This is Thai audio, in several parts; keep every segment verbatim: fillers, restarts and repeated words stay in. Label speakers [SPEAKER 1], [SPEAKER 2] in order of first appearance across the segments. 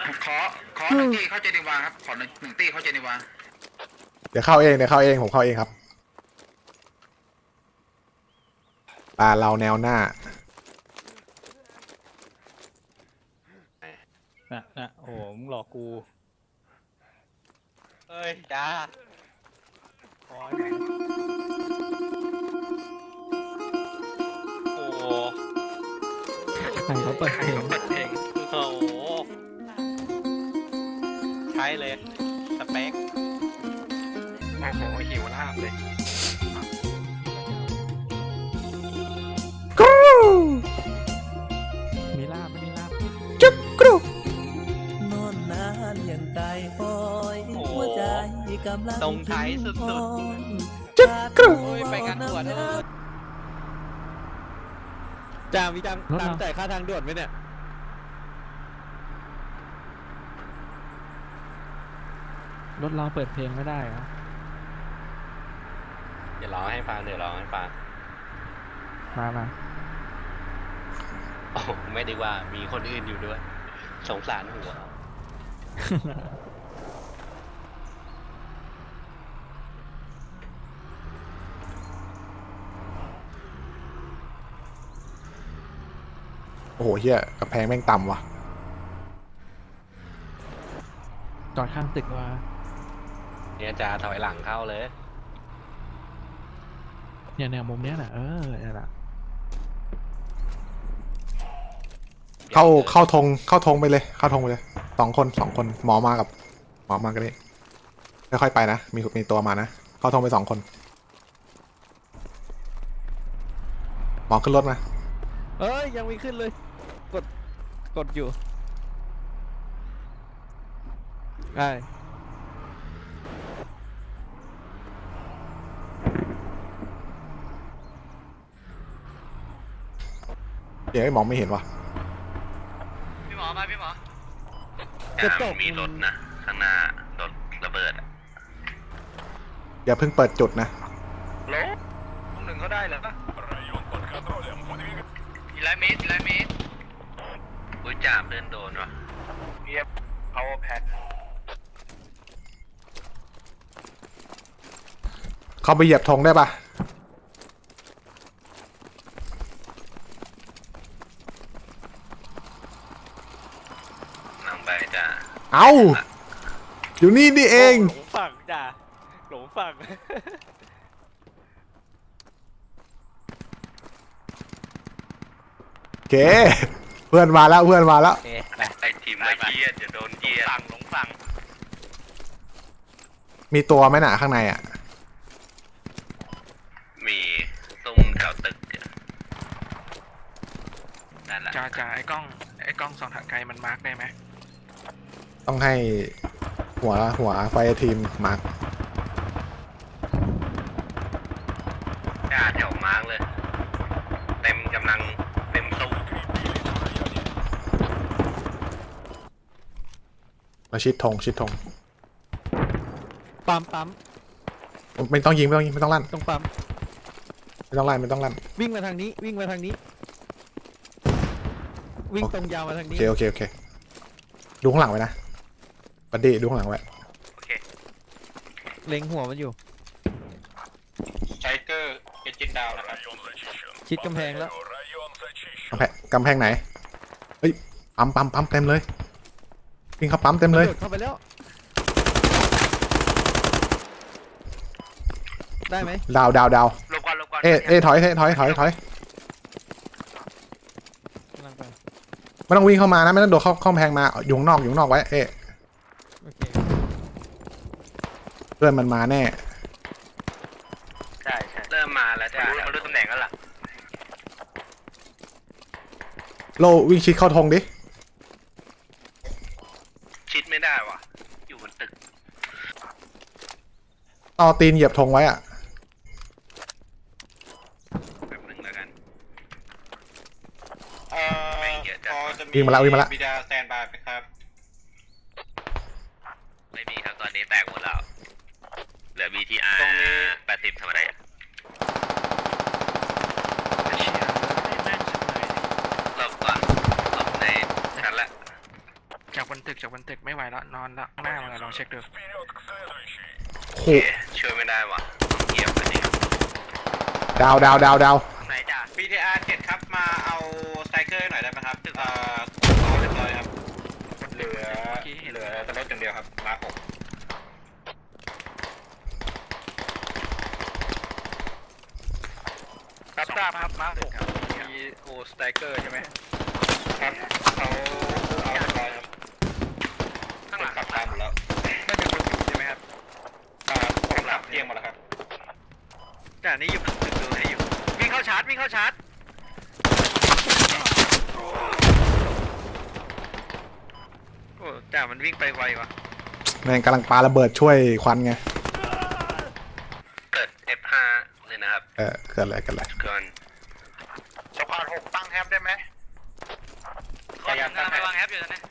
[SPEAKER 1] ขอขอหนึ่งที่เข้าเจนีวาครับขอหนึ่งหนึ่งที่เข้าเจนีวา
[SPEAKER 2] เดี๋ยวเข้าเองเดี๋ยวเข้าเองผมเข้าเองครับปลาเราแนวหน้า
[SPEAKER 3] น่ะน่ะโอ้โหมึงหลอกกู
[SPEAKER 4] เอ้ยจ้าคอยโอ้โห
[SPEAKER 3] ใครเขาเปิดเพลง
[SPEAKER 4] เปิดเพลงโอ้โหใช้เลยสเปคโอ้โหหิวลาบเลย
[SPEAKER 2] กรู
[SPEAKER 3] มีลาบไม่มีลาบ
[SPEAKER 2] จุกกรู
[SPEAKER 5] นอนนานอย่างไก่หอย
[SPEAKER 4] โอ้โห
[SPEAKER 5] หัวใจกำลัง
[SPEAKER 4] ตรงไทยสุดๆ
[SPEAKER 2] จุกกรู
[SPEAKER 4] โอ้ยไปกันด่วนเออ
[SPEAKER 6] จางมีตังค์ตังค์จ่ายค่าทางด่วนไหมเนี่ย
[SPEAKER 3] รถเราเปิดเพลงไม่ได้เหรอ
[SPEAKER 4] เดี๋ยวร้องให้ฟังเดี๋ยวร้องให้ฟัง
[SPEAKER 3] มามา
[SPEAKER 4] โอ้ไม่ดีว่ามีคนอื่นอยู่ด้วย สงสารหัว
[SPEAKER 2] โอ้โหเฮียกระแพงแม่งต่ำว่ะ
[SPEAKER 3] จอดข้างตึกว่า
[SPEAKER 4] เนี่ยจะถอยหลังเข้าเลย
[SPEAKER 3] เนี่ยแนวมุมเนี้ยแหละเออเนี่ยแหละ
[SPEAKER 2] เข้าเข้าธงเข้าธงไปเลยเข้าธงไปเลยสองคนสองคนหมอมากับหมอมากันนี่ค่อยๆไปนะมีมีตัวมานะเข้าธงไปสองคนหมอขึ้นรถมา
[SPEAKER 6] เอ้ยยังไม่ขึ้นเลย กด กดอยู่ได้
[SPEAKER 2] เดี๋ยวไอ้หมอไม่เห็นว่ะ
[SPEAKER 4] พี่หมอมาพี่หมอ
[SPEAKER 6] กระจก
[SPEAKER 4] มีรถนะข้างหน้ารถระเบิดอะ
[SPEAKER 2] อย่าเพิ่งเปิดจุดนะ
[SPEAKER 4] โลห้องหนึ่งเขาได้เหรอกี่ร้อยเมตรกี่ร้อยเมตรอุ้ยจับเดินโดนวะเพียบ power pad
[SPEAKER 2] เข้าไปเหยียบธงได้ปะ
[SPEAKER 4] นั่งไปจ้ะ
[SPEAKER 2] เอาอยู่นี่นี่เอง
[SPEAKER 6] หลงฝั่งจ้ะหลงฝั่ง
[SPEAKER 2] โอเคเพื่อนมาแล้วเพื่อนมาแล้ว
[SPEAKER 4] โอเคไปไอทีมละเยียดอย่าโดนเยียดฝั่งหลงฝั่ง
[SPEAKER 2] มีตัวไหมหนาข้างในอ่ะ
[SPEAKER 4] มีซุ่มแถวตึกอะนั่นแหละ
[SPEAKER 1] จ่าจ่าไอ้กล้องไอ้กล้องส่องทางไกลมันมาร์กได้ไหม
[SPEAKER 2] ต้องให้หัวหัวไฟทีมมาร์ค
[SPEAKER 4] หน้าแถวมาร์กเลย เต็มกำลังเต็มสู้
[SPEAKER 2] มาชิดธงชิดธง
[SPEAKER 6] ปั๊มปั๊ม
[SPEAKER 2] ไม่ต้องยิงไม่ต้องยิงไม่ต้องลั่น
[SPEAKER 6] ตรงปั๊ม
[SPEAKER 2] ไม่ต้องลั่นไม่ต้องลั่น
[SPEAKER 6] วิ่งมาทางนี้ วิ่งมาทางนี้ วิ่งตรงยาวมาทาง
[SPEAKER 2] โอ
[SPEAKER 6] นี้
[SPEAKER 2] เคโอเคโอเคดูข้างหลังไว้นะบัดดี้ดูข้างหลังไว้
[SPEAKER 4] โอเค
[SPEAKER 6] เล็งหัวมันอยู่
[SPEAKER 4] ไชเกอร์เอจินดาวนะครับ
[SPEAKER 6] ชิดกำแพงแล้ว
[SPEAKER 2] กำแพงกำแพงไหนเฮ้ยปั๊มปั๊มปั๊มเต็มเลยวิ่งเข้าปั๊มเต็มเลย
[SPEAKER 6] โดดเข้าไปแล้ว ได้ไหม
[SPEAKER 2] ดาวดาวดาว
[SPEAKER 4] ลงก่อนลงก่อน
[SPEAKER 2] เอ๊ะเอ๊ะถอยเอ๊ะถอยถอยถอย
[SPEAKER 6] กำลังไป
[SPEAKER 2] ไม่ต้องวิ่งเข้ามานะไม่ต้องโดดเข้าเข้ากำแพงมาอยู่ข้างนอกอยู่ข้างนอกไว้เอ๊ะ
[SPEAKER 6] โอเค
[SPEAKER 2] เพื่อนมันมาแน่
[SPEAKER 4] ใช่ใช่เริ่มมาแล้วจ้ะมาดูตำแหน่งแล้วล่ะ
[SPEAKER 2] โลวิ่งชิดเข้าธงดิ
[SPEAKER 4] ชิดไม่ได้ว่ะ อยู่บนตึก
[SPEAKER 2] ต่อตีนเหยียบธงไว้อะ
[SPEAKER 4] แป๊บหนึงแล้วกัน
[SPEAKER 7] เอ่อพอจะมี
[SPEAKER 2] วิ่งมาแล้ววิ่งมาแล้ว
[SPEAKER 7] บิดาสแตนบายไหมครับ
[SPEAKER 4] ไม่มีครับตอนนี้แตกหมดแล้ว เหลือ บี ที อาร์
[SPEAKER 7] ตรงนี้
[SPEAKER 4] แปดสิบทำอะไรอะ
[SPEAKER 1] ไอ้เชี่ยไอ้แม่งชิบหาย
[SPEAKER 4] หลบก่อนหลบในชั้นละ
[SPEAKER 3] จากบนตึกจากบนตึกไม่ไหวแล้วนอนละข้างหน้ามาลองเช็คดู
[SPEAKER 2] โห
[SPEAKER 4] ช่วยไม่ได้ว่ะเหยียบอันนี้
[SPEAKER 2] ดาวดาวดาวดาว
[SPEAKER 4] ไหนจ้ะ
[SPEAKER 7] บี ที อาร์ เจ็ดครับมาเอาสไตรเกอร์หน่อยได้ไหมครับเอ่อเอาเรียบร้อยครับเหลือเหลือแต่รถอย่างเดียวครับมาหก
[SPEAKER 4] รับทราบครับมาหกมีโอสไตรเกอร์ใช่ไหม
[SPEAKER 7] ครับเขาเอาเรียบร้อยครับ
[SPEAKER 4] ข้างหลัง
[SPEAKER 7] ขับตามหมดแล้ว
[SPEAKER 4] ไม่เป็นคนอยู่ใช่ไหมครับ
[SPEAKER 7] อ่าผมขับเกียงหมดแล้วครับ
[SPEAKER 4] จ่านี่อยู่ตึกดูให้อยู่วิ่งเข้าชาร์จวิ่งเข้าชาร์จโอ้จ่ามันวิ่งไปไวว่ะ
[SPEAKER 2] แม่งกำลังปาระเบิดช่วยควันไง
[SPEAKER 4] เกิด เอฟ ห้า เลยนะครับ
[SPEAKER 2] เออเกิดอะไรกันอะไร
[SPEAKER 4] เกิน
[SPEAKER 7] สะพานหกตั้งแฮปได้ไหม
[SPEAKER 4] ขอยังไปวางแอปอยู่ตอนนี้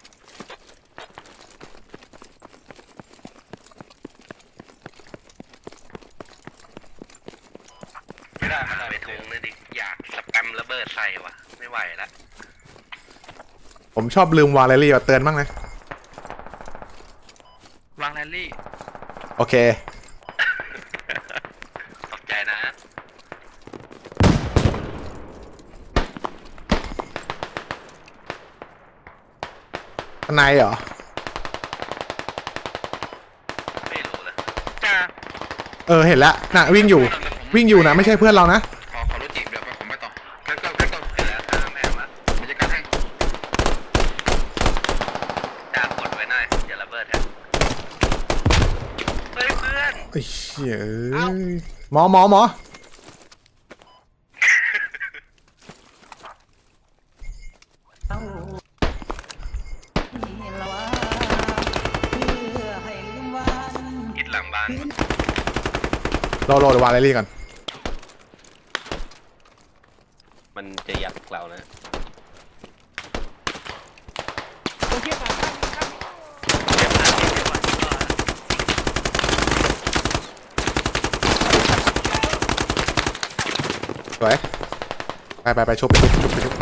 [SPEAKER 4] ไม่ได้ไม่ได้ไปทุงเลยดิอยากสแปมระเบิดใส่ว่ะไม่ไหวละ
[SPEAKER 2] ผมชอบลืมวางแรลลี่มาเตือนบ้างนะ
[SPEAKER 3] วางแรลลี่
[SPEAKER 2] โอเค
[SPEAKER 4] ขอบใจนะ
[SPEAKER 2] ข้างในเหรอ
[SPEAKER 4] ไม่รู้เลยจ้า
[SPEAKER 2] เออเห็นแล้วน่ะวิ่งอยู่วิ่งอยู่นะไม่ใช่เพื่อนเรานะ
[SPEAKER 1] ขอขอรถจีบเดี๋ยวผมไปต่อเกิดเกิดเกิดเกิด
[SPEAKER 4] เสร็จแล้วตามแม่มา
[SPEAKER 1] บรรยากาศให้
[SPEAKER 4] จ้ากดไว้หน่อยอย่าระเบิดฮะเฮ้ยเพื่อน
[SPEAKER 2] ไอ้เหี้ยเอ้ยหมอหมอหมอ
[SPEAKER 5] นี่ละวะเพื่อให้ลืมวัน
[SPEAKER 4] อิดหลังบ้าน
[SPEAKER 2] โลโลเดี๋ยววางแรลลี่ก่อน
[SPEAKER 4] มันจะยักเรานะ
[SPEAKER 2] สวยไปไปไปชุบไปชุบชุบไปชุบ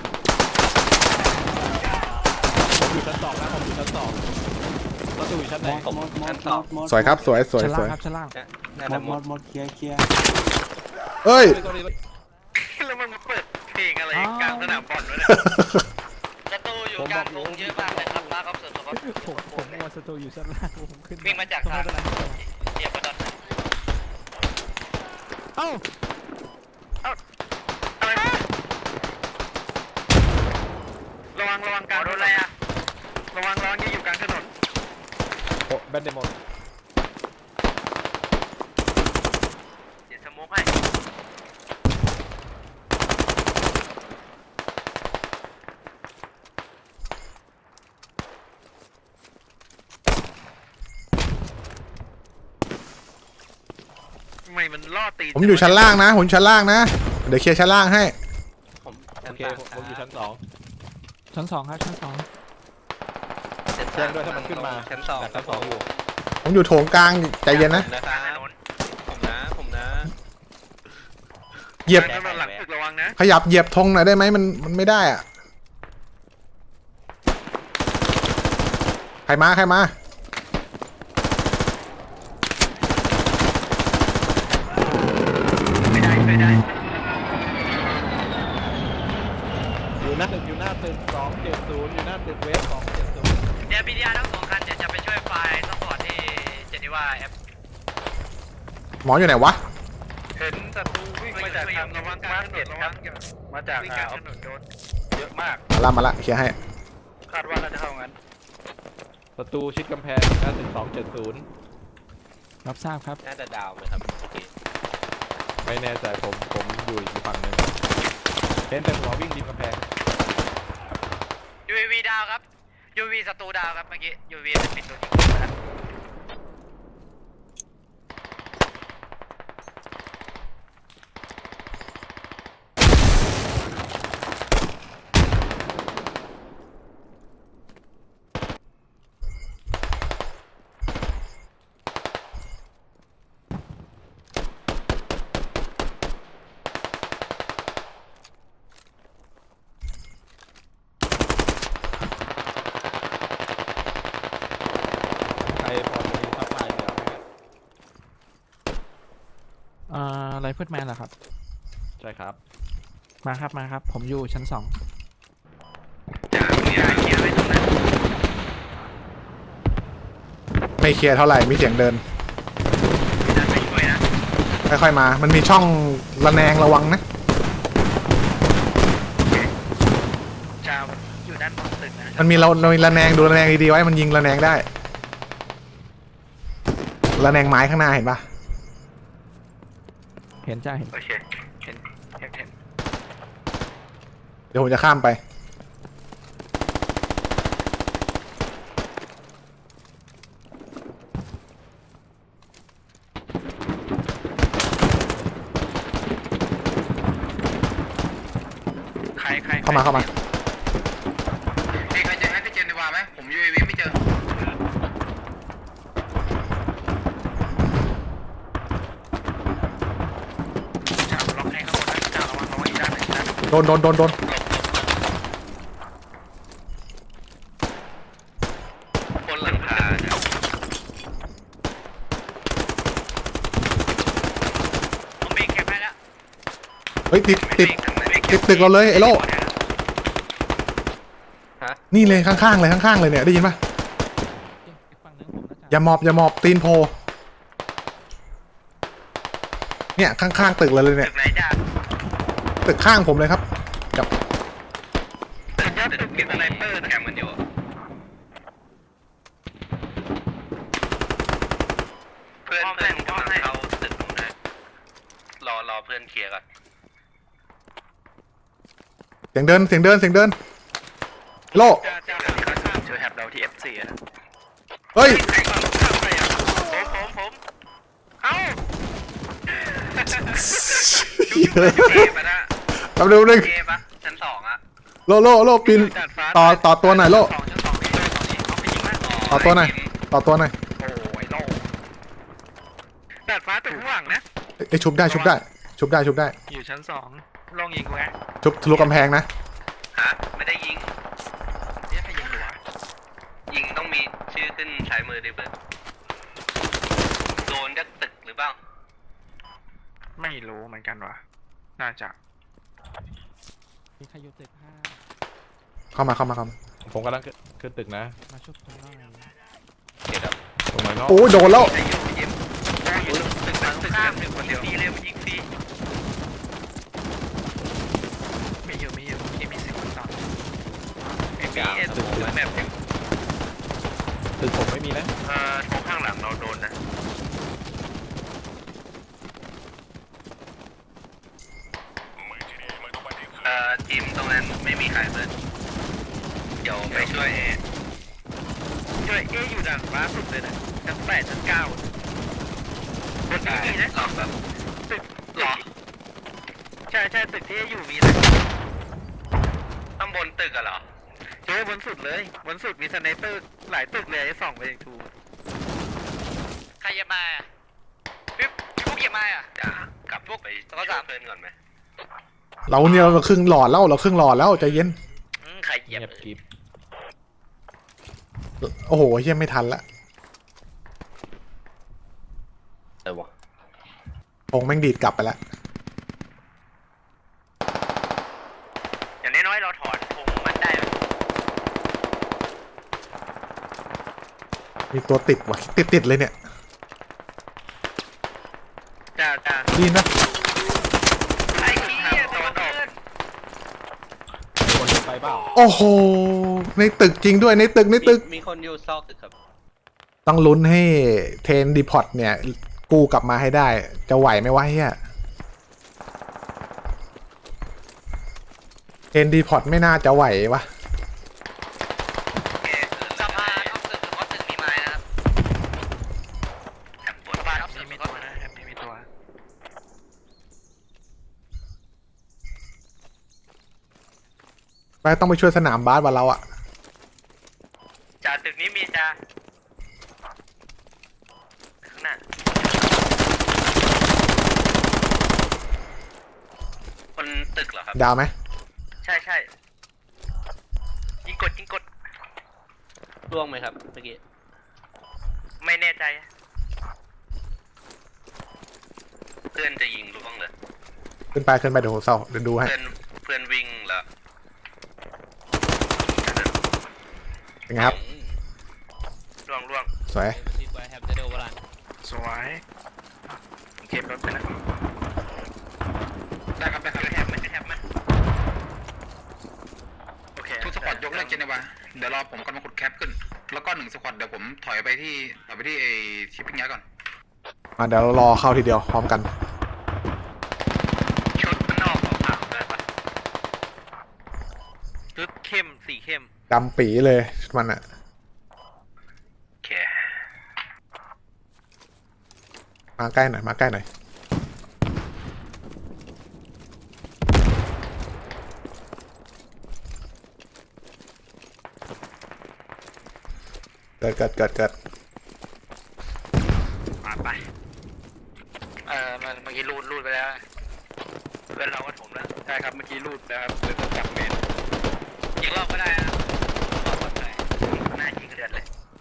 [SPEAKER 6] ผมอยู่ชั้นสองนะผมอยู่ชั้นสองประตูอยู่ชั้นไหน
[SPEAKER 4] ผมชั้นสอง
[SPEAKER 2] สวยครับสวยสวย
[SPEAKER 3] ชั้น
[SPEAKER 2] ส
[SPEAKER 3] ล่าง
[SPEAKER 2] วย
[SPEAKER 3] ครับชั้นล่าง
[SPEAKER 4] น่าจะหมด
[SPEAKER 5] หมดเคลียร์เคลียร์
[SPEAKER 2] เอ้ย
[SPEAKER 4] แล้วมันมาเปิดเพลงอะไรกลางสนามบอลวะเนี่ยประตูอยู่กลางวงเยอะมากเลยครับป้าครับส่วนตัวครับ
[SPEAKER 3] ผมผมมัวสตูอยู่ชั้นล่างผมขึ้น
[SPEAKER 4] วิ่งมาจากทางเหยียบไปตอนไหน
[SPEAKER 3] เอ้า
[SPEAKER 4] อะไรนะระวังระวังกลางถนนอะไรอะระวังระวังที่อยู่กลางถนน
[SPEAKER 6] โอ้แบนเดมอน
[SPEAKER 4] เดี๋ยวสโมกให้ทำไมมันล่อตีน
[SPEAKER 2] ผมอยู่ชั้นล่างนะผมชั้นล่างนะเดี๋ยวเคลียร์ชั้นล่างให้
[SPEAKER 4] ผม
[SPEAKER 6] โอเคผมผมอยู่ชั้นสอง
[SPEAKER 3] ชั้นสองครับชั้นสอง
[SPEAKER 6] แจ้งด้วยถ้ามันขึ้นมา
[SPEAKER 4] ชั้นสอง
[SPEAKER 6] ชั้นสองอยู่
[SPEAKER 2] ผมอยู่โถงกลางใจเย็นนะ
[SPEAKER 4] ผมนะผมนะ
[SPEAKER 2] เหยียบ
[SPEAKER 4] ถนนหลังตึกระวังนะ
[SPEAKER 2] ขยับเหยียบธงหน่อยได้ไหมมันมันไม่ได้อะใครมาใครมา
[SPEAKER 4] ไม่ได้ไม่ได้
[SPEAKER 6] อยู่หน้าตึกอยู่หน้าตึกสองเจ็ดศูนย์อยู่หน้าตึกเวฟสองเจ็ดศูนย์
[SPEAKER 4] เดี๋ยวพีดีอาร์ทั้งสองคันเดี๋ยวจะไปช่วยไฟล์ซัพพอร์ตที่เจนีวาแอป
[SPEAKER 2] หมออยู่ไหนวะ
[SPEAKER 4] เห็นศัตรูวิ่งมาจากทางระวังมาร์เก็ตครับมาจากวิ่งกลางถนนโดนเยอะมาก
[SPEAKER 2] มาละมาละเคลียร์ให้
[SPEAKER 4] คาดว่าน่าจะเข้างั้น
[SPEAKER 6] ประตูชิดกำแพงอยู่หน้าตึกสองเจ็ดศูนย์
[SPEAKER 3] รับทราบครับ
[SPEAKER 4] น่าจะดาวไหมครับโอเค
[SPEAKER 6] ไม่แน่ใจผมผมอยู่อีกฝั่งหนึ่งเห็นแต่หัววิ่งริมกำแพง
[SPEAKER 4] ยูวีดาวครับยูวีศัตรูดาวครับเมื่อกี้ยูวีเป็นปิดตัวยิงไปแล้ว
[SPEAKER 3] เฟิลแมนเหรอครับ
[SPEAKER 6] ใช่ครับ
[SPEAKER 3] มาครับมาครับ ผมอยู่ชั้นสอง
[SPEAKER 4] จ่าเนี่ยเคลียร์ไว้ตรงนั้น
[SPEAKER 2] ไม่เคลียร์เท่าไหร่มีเสียงเดิน
[SPEAKER 4] จะไปช่วยนะ
[SPEAKER 2] ค่อยๆมา มันมีช่องระแนงระวังนะ
[SPEAKER 4] จ่าอยู่ด้านบนตึกนะ
[SPEAKER 2] มันมีเราเรามีระแนงดูระแนงดีๆไว้มันยิงระแนงได้ระแนงไม้ข้างหน้าเห็นปะ
[SPEAKER 3] เห็นจ้าเห็น
[SPEAKER 4] โอเคเห็นเห็นเห็น
[SPEAKER 2] เดี๋ยวผมจะข้ามไป
[SPEAKER 4] ใครใคร
[SPEAKER 2] เข้ามาเข้ามา
[SPEAKER 1] มีใครเจอแอคเจนดีกว่าไหมผมยูเอวีไม่เจอ
[SPEAKER 4] จ่าล็อกให้ข้างบนนะจ่าระวังระวังอีกด้านหนึ่งด้านหนึ่ง
[SPEAKER 2] โดนโดนโดนโดน
[SPEAKER 4] บนหลังคาเนี่ยผมเบรกแคปให้แล้ว
[SPEAKER 2] เฮ้ยติดติดติดตึกเราเลยไอ้โลนี่เลยข้างๆเลยข้างๆเลยเนี่ยได้ยินปะ
[SPEAKER 3] อีกฝั่งหนึงผมนะ
[SPEAKER 2] อ
[SPEAKER 3] จ้า
[SPEAKER 2] ย่าหมอบอย่าหมอบตีนโพเนี่ยข้างๆตึกเราเลยเนี่ย
[SPEAKER 4] ตึกไหนจ่า
[SPEAKER 2] ตึกข้างผมเลยครับกับ
[SPEAKER 4] ตึกยอดตึกมีสไนเปอร์นะแคมมันอยู่เพื่อนเพื่อนกำลังเข้าตึกตรงนั้นรอรอเพื่อนเคลียร์ก่อน
[SPEAKER 2] เสียงเดินเสียงเดินเสียงเดินโล
[SPEAKER 4] จ่าจ่าเขาข้ามช่วยแฮปเราที่ เอฟ ซี อะ
[SPEAKER 2] เฮ้ย
[SPEAKER 4] ใครก่อนข้ามไปอ่ะผมผมผมเอ้าเกมอะนะ
[SPEAKER 2] แป๊บเดียวนึง
[SPEAKER 4] เกมปะชั้นสองอะ
[SPEAKER 2] โลโลโลปีน
[SPEAKER 4] ดาดฟ้า
[SPEAKER 2] ต่อต่อตัวหน่อยโล
[SPEAKER 4] สองชั้นสองนี่เลยตอนนี้เอาไปยิงมั้ย
[SPEAKER 2] ต่อตัวหน่อยต่อตัวหน่อย
[SPEAKER 4] โอ้ยโลดาดฟ้าตึกข้างหลังนะ
[SPEAKER 2] ไอ้ยชุบได้ชุบได้ชุบได้ชุบได้
[SPEAKER 4] อยู่ชั้นสองลองยิงกูไง
[SPEAKER 2] ชุบทะลุกำแพงนะ
[SPEAKER 4] ฮะไม่ได้ยิงเนี่ยใครยิงอยู่วะยิงต้องมีชื่อขึ้นซ้ายมือดิเบิร์ดโดนจากตึกหรือเปล่าไม่รู้เหมือนกันวะน่าจะ
[SPEAKER 3] มีใครอยู่ตึกห้า
[SPEAKER 2] เข้ามาเข้ามาเข้ามา
[SPEAKER 6] ผมกำลังขึ้นขึ้นตึกนะ
[SPEAKER 3] มาชุบผมหน่อย
[SPEAKER 4] เดี๋ยว
[SPEAKER 6] ตรงไหนเนาะ
[SPEAKER 2] โอ้ยโดนแล้ว
[SPEAKER 4] จะอยู่ยิมอยู่ตึกตึกตึกข้ามตึกคนเดียวฟรีเลยมันยิงฟรีมีอยู่มีอยู่ที่มีสิบคนต่อไอ้มีเอสโมแบบ
[SPEAKER 6] ตึกผมไม่มีนะ
[SPEAKER 4] เอ่อตรงข้างหลังเราโดนนะเอ่อทีมตรงนั้นไม่มีใครเปิดเดี๋ยวไปช่วยเอช่วยเออยู่ด้านฟ้าสุดเลยนะชั้นแปดชั้นเก้าบนนี้มีนะหรอแบบตึกหรอใช่ใช่ตึกที่อยู่มีนะข้างบนตึกอะเหรอเจอบนสุดเลยบนสุดมีสไนเปอร์หลายตึกเลยไอ้ส่องไปยังทูใครจะมาพี่พี่พวกจะมาอ่ะจะกลับพวกไปแล้วก็ตามเพื่อนก่อนไหม
[SPEAKER 2] เราเนี่ยเราครึ่งหลอดแล้วเราครึ่งหลอดแล้วใจเย็น
[SPEAKER 4] อืมใครเหยียบ
[SPEAKER 6] เงียบกริบ
[SPEAKER 2] โอ้โหเฮียไม่ทันละ
[SPEAKER 4] เออวะ
[SPEAKER 2] คงแม่งดีดกลับไปแล้ว
[SPEAKER 4] อย่างน้อยๆเราถอนธงมันได้
[SPEAKER 2] มีตัวติดว่ะติดติดเลยเนี่ย
[SPEAKER 4] จ้าจ้า
[SPEAKER 2] ดีนะ
[SPEAKER 4] ไอ้ขี้ยตัวดอก
[SPEAKER 6] คนไปเปล่า
[SPEAKER 2] โอ้โหในตึกจริงด้วยในตึกในตึก
[SPEAKER 4] มีคนอยู่ซอกตึกครับ
[SPEAKER 2] ต้องลุ้นให้เทนดีพอตเนี่ยกู้กลับมาให้ได้ จะไหวไหมวะเฮียเทนดีพอตไม่น่าจะไหววะ
[SPEAKER 4] สะพานออกตึกหรือว่าตึกมีไม้นะครับสะพานออกตึกมีตัวนะแฮปปี้มีตัว
[SPEAKER 2] ไปต้องไปช่วยสนามบาสวันเราอะ
[SPEAKER 4] จ่าตึกนี้มีจ่าข้างหน้าคนตึกเหรอครับ
[SPEAKER 2] ดาวไหม
[SPEAKER 4] ใช่ใช่ยิงกดยิงกดร่วงไหมครับเมื่อกี้ไม่แน่ใจเพื่อนจะยิงล่วงเลย
[SPEAKER 2] ขึ้นไปขึ้นไปเดี๋ยวผมเศร้าเดี๋ยวดูให้
[SPEAKER 4] เพื่อนเพื่อนวิ่งแล้ว
[SPEAKER 2] เป็นไงครับ
[SPEAKER 4] ล่วงล่วง
[SPEAKER 2] สวย
[SPEAKER 4] สวยเก็บรถไปนะ
[SPEAKER 1] ได้ครับได้ครับ
[SPEAKER 4] จะแฮปไหมจะแฮปไหมโอเค
[SPEAKER 1] ทุกสควอตยกเลิกเจนีวาเดี๋ยวรอผมกำลังขุดแคปขึ้น แล้วก็หนึ่งสควอตเดี๋ยวผมถอยไปที่ถอยไปที่ไอชิปปิ้งยักษ์ก่อน
[SPEAKER 2] มาเดี๋ยวเรารอเข้าทีเดียวพร้อมกัน
[SPEAKER 4] ชุดมันออกขาวๆเลยปะชุดเข้มสีเข้ม
[SPEAKER 2] ดำปีเลยมันอะ
[SPEAKER 4] โอเค
[SPEAKER 2] มาใกล้หน่อยมาใกล้หน่อยเกิดเกิดเกิดเกิด
[SPEAKER 4] มาไปเออมันเมื่อกี้รูดรูดไปแล้วเป็นเราก็ถมแล้วใช่ครับเมื่อกี้รูดนะครับเลยต้องจับเมนยิงรอบก็ได้นะรอบก็ได้หน้ายิงเดือดเลย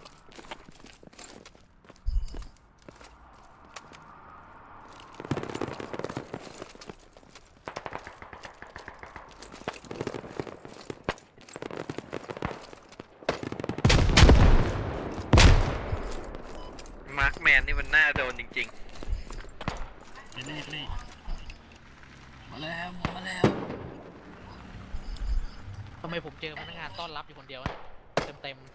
[SPEAKER 4] มาร์คแมนนี่มันน่าโดนจริงๆ
[SPEAKER 3] ทำไมผมเจอพนักงานต้อนรับอยู่คนเดียวเต็มเต็ม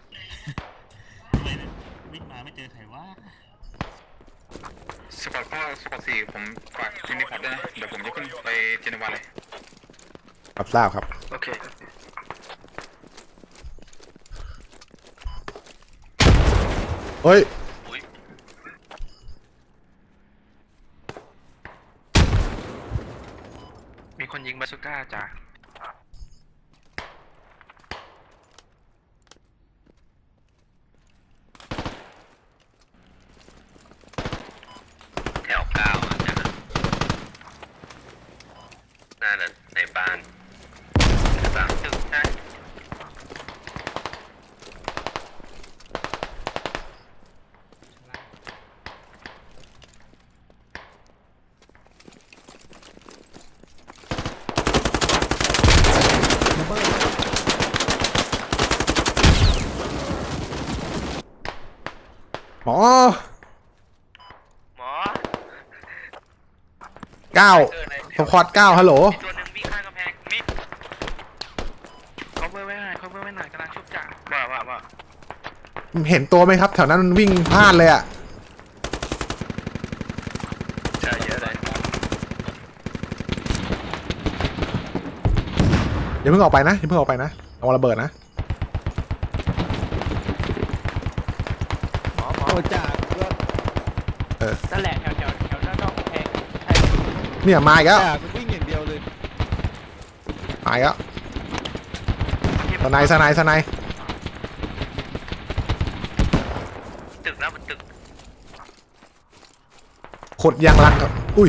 [SPEAKER 1] สควอตก็สควอตสี่ผมฝากที่นี่พอร์ตด้วยนะเดี๋ยวผมจะขึ้นไปเจนีวาเลย
[SPEAKER 2] รับทราบครับ
[SPEAKER 4] โอเค
[SPEAKER 2] เฮ้ย
[SPEAKER 4] มีคนยิงบาซูก้าจ้ะแถวเก้าอ่ะจ้ะน่าจะในบ้านสามตึกใช่
[SPEAKER 2] หมอ
[SPEAKER 4] หมอ
[SPEAKER 2] เก้าสควอตเก้าฮัลโหล
[SPEAKER 4] มีตัวหนึ่งวิ่งข้างกำแพงมิด cover ไว้หน่อย cover ไว้หน่อยกำลังชุบจ่าว่าว่าว่า
[SPEAKER 2] เห็นตัวไหมครับ แถวนั้นมันวิ่งพลาดเลยอะ
[SPEAKER 4] ใช่เยอะเลย
[SPEAKER 2] อย่าเพิ่งออกไปนะอย่าเพิ่งออกไปนะเอาระเบิดนะ
[SPEAKER 3] โอ้จ่านั่นแหละแถวแถวแถวด้านนอกกำแพงใช่
[SPEAKER 2] เนี่ยมาอีกแล้ว
[SPEAKER 6] จ่ากูวิ่งอย่างเดียวเลย
[SPEAKER 2] มาอีกแล้วสไนด์สไนด์สไนด์
[SPEAKER 4] ตึกนะมันตึก
[SPEAKER 2] ขุดยางรังครับอุ้ย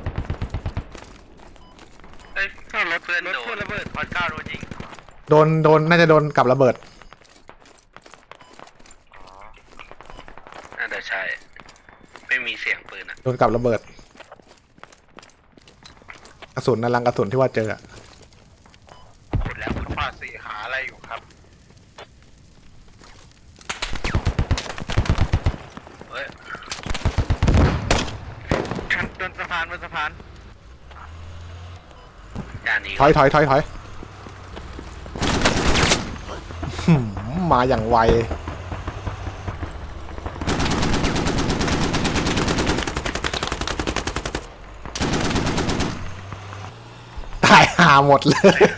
[SPEAKER 4] เอ้ยรถเพื่อนโดนระเบิดพอดก้าโดนยิง
[SPEAKER 2] โดนโดนน่าจะโดนกับระเบิด
[SPEAKER 4] น่าจะใช่ไม่มีเสียงปืนอ่ะ
[SPEAKER 2] โดนกับระเบิดกระสุนนั่นลังกระสุนที่ว่าเจออะ
[SPEAKER 4] ขุดแล้วขุดฟาดสีหาอะไรอยู่ครับเฮ้ยบนสะพานบนสะพานจานนี้
[SPEAKER 2] ถอยถอยถอยถอยหืมมาอย่างไวตายหาหมดเลย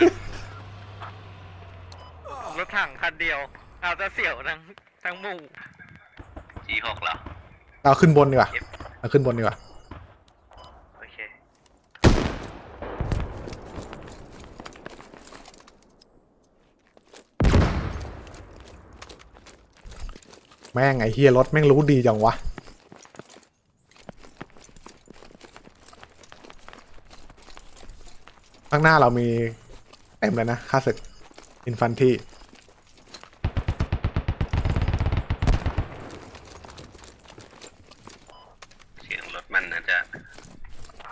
[SPEAKER 4] รถถังคันเดียวเอาจะเสี่ยวทั้งทั้งหมู่จีหกเหรอ
[SPEAKER 2] เอาขึ้นบนดีกว่าเอาขึ้นบนดีกว่า
[SPEAKER 4] โอเค
[SPEAKER 2] แม่งไอ้เฮียรถแม่งรู้ดีจังวะข้างหน้าเรามีเต็มเลยนะค่าศึกอินฟันที่
[SPEAKER 4] เสียงรถมันน่าจะ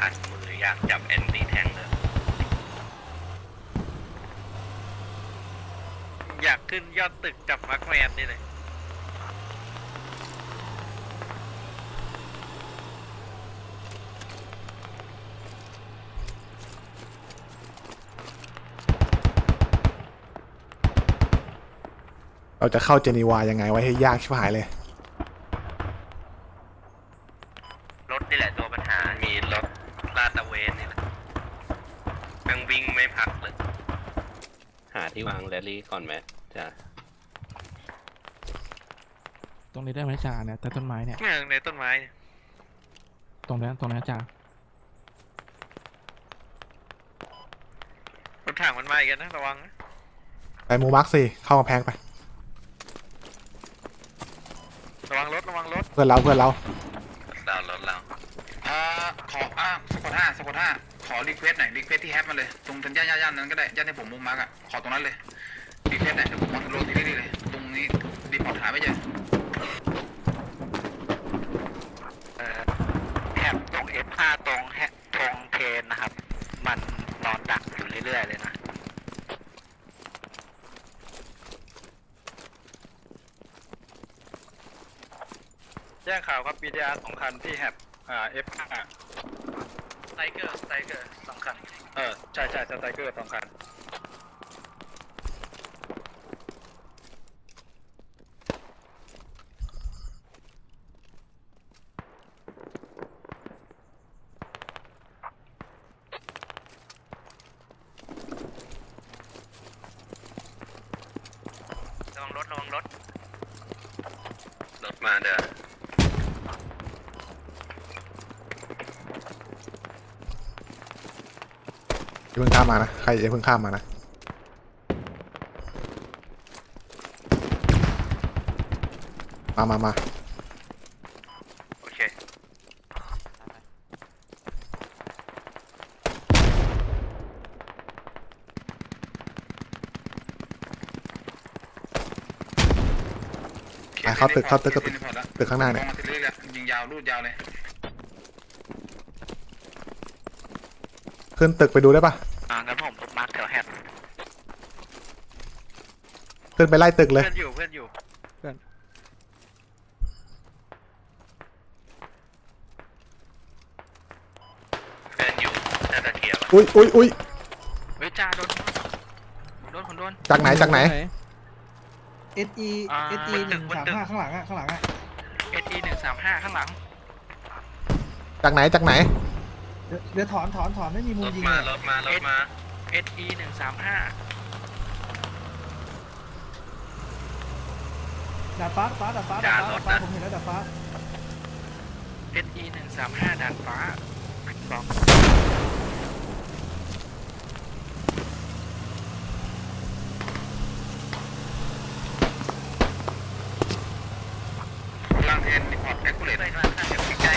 [SPEAKER 4] ขัดมืออยากจับแอนตี้แทงเลย อยากขึ้นยอดตึกจับมาร์คแมนนี่เลย
[SPEAKER 2] เราจะเข้าเจนีวายังไงไว้ให้ยากชิบหายเลย
[SPEAKER 4] รถนี่แหละตัวปัญหา มีรถลาดตระเวนนี่แหละยังวิ่งไม่พักเลย
[SPEAKER 8] หาที่วางแรลลี่ก่อนไหมจ้ะ
[SPEAKER 3] ตรงนี้ได้ไหมจ่าเนี่ยแต่ต้นไม้เนี่ย
[SPEAKER 4] ในต้นไม้
[SPEAKER 3] ตรงนั้นตรงนั้นจ่าร
[SPEAKER 4] ถถังมันมาอีกนะระวังนะ
[SPEAKER 2] ไปมูมาร์คสี่เข้ากำแพงไป
[SPEAKER 4] ระวังรถระวังรถ
[SPEAKER 2] เพื่อนเราเพื่อนเรา
[SPEAKER 4] เรารถเรา
[SPEAKER 1] อ่าขออ่าสกอตห้าสกอตห้าขอรีเควสหน่อยรีเควสที่แฮปมาเลยตรงทางย่านย่านนั้นก็ได้ย่านที่ผมมุมมาร์กอ่ะขอตรงนั้นเลยรีเควสหน่อยเดี๋ยวผมวางโรที่นี่เลยตรงนี้รีพอร์ตหาไม่เจอ
[SPEAKER 4] แถบตรง เอฟ ห้า ตรงแฮตรงเทนนะครับ มันนอนดักอยู่เรื่อยๆเลยนะ
[SPEAKER 7] แจ้งข่าวครับ บี ดี อาร์ สองคันที่แฮปอ่า เอฟ ห้า
[SPEAKER 4] ไทเกอร์ไทเกอร์สองคัน
[SPEAKER 7] เออ ใช่ใช่สไตรเกอร์สองคัน
[SPEAKER 4] ระวังรถระวังรถ รถมาเด้อ
[SPEAKER 2] อย่าเพิ่งข้ามมานะใครอย่าเพิ่งข้ามมานะมามามา
[SPEAKER 4] โอเค
[SPEAKER 2] ไปเข้าตึกเข้าตึกเข้าตึกตึกข้างหน้า
[SPEAKER 1] ตร
[SPEAKER 2] เนี่ย
[SPEAKER 1] งมาทีเรื่อยๆยิงยาวรูดยาวเลย
[SPEAKER 2] ขึ้นตึกไปดูได้ปะ
[SPEAKER 4] อ่างั้นผมมาร์คแถวแฮป
[SPEAKER 2] ขึ้นไปไล่ตึกเลย
[SPEAKER 4] เพื่อนอยู่เพื่อนอยู่ เพื่อนอยู่น่าจะเคลียร์
[SPEAKER 2] อุ้ยอุ้ยอุ้ย
[SPEAKER 3] เฮ้ยจ่าโดนโดนคนโดน
[SPEAKER 2] จากไหนจากไหน
[SPEAKER 5] เอสอีเอสอีหนึ่งสามห้าข้างหลังอ่ะข้างหลังอ่ะ
[SPEAKER 3] เอสอีหนึ่งสามห้าข้างหลัง
[SPEAKER 2] จากไหนจากไหน
[SPEAKER 5] เดี๋ยวเดี๋ยวถอนถอนถอนไม่มีมุ
[SPEAKER 4] ร
[SPEAKER 5] ม
[SPEAKER 4] ถ
[SPEAKER 5] ยิง
[SPEAKER 4] มา
[SPEAKER 5] เลย
[SPEAKER 4] รถมารถมา
[SPEAKER 3] เอสอีหนึ่งสามห้า
[SPEAKER 5] ดาดฟ้าดาดฟ้าดาดฟ้าดาดฟ้าดาดฟ้าผมเห็นแล้วดาดฟ้า
[SPEAKER 3] เอสอีหนึ่งสามห้าด่านฟ้าบอก
[SPEAKER 1] ล่างเทนรีพอร์ตแอคคูเลต
[SPEAKER 4] ไปกลางทางเดี๋ยวใกล้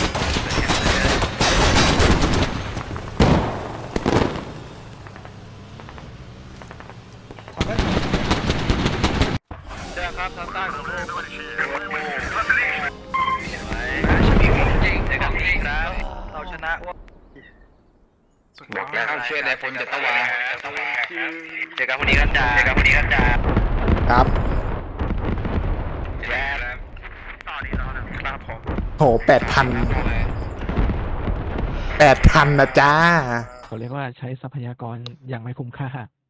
[SPEAKER 5] ถอนได้
[SPEAKER 7] แจ้งครับทางใต้ของโลก
[SPEAKER 4] จริงเจอกันอีกแล้วเราชนะว่า
[SPEAKER 1] บอกแล้วช่วยได้ผลจะตะวา
[SPEAKER 4] เจอกันพรุ่งนี้กันจ้าเจอกันพรุ่งนี้กันจ้า
[SPEAKER 2] ครับ
[SPEAKER 4] แย่แล้วต่อนี้ต่อนะครับผม
[SPEAKER 2] โหแปดพันแปดพันนะจ้า
[SPEAKER 3] เขาเรียกว่าใช้ทรัพยากรอย่างไม่คุ้มค่า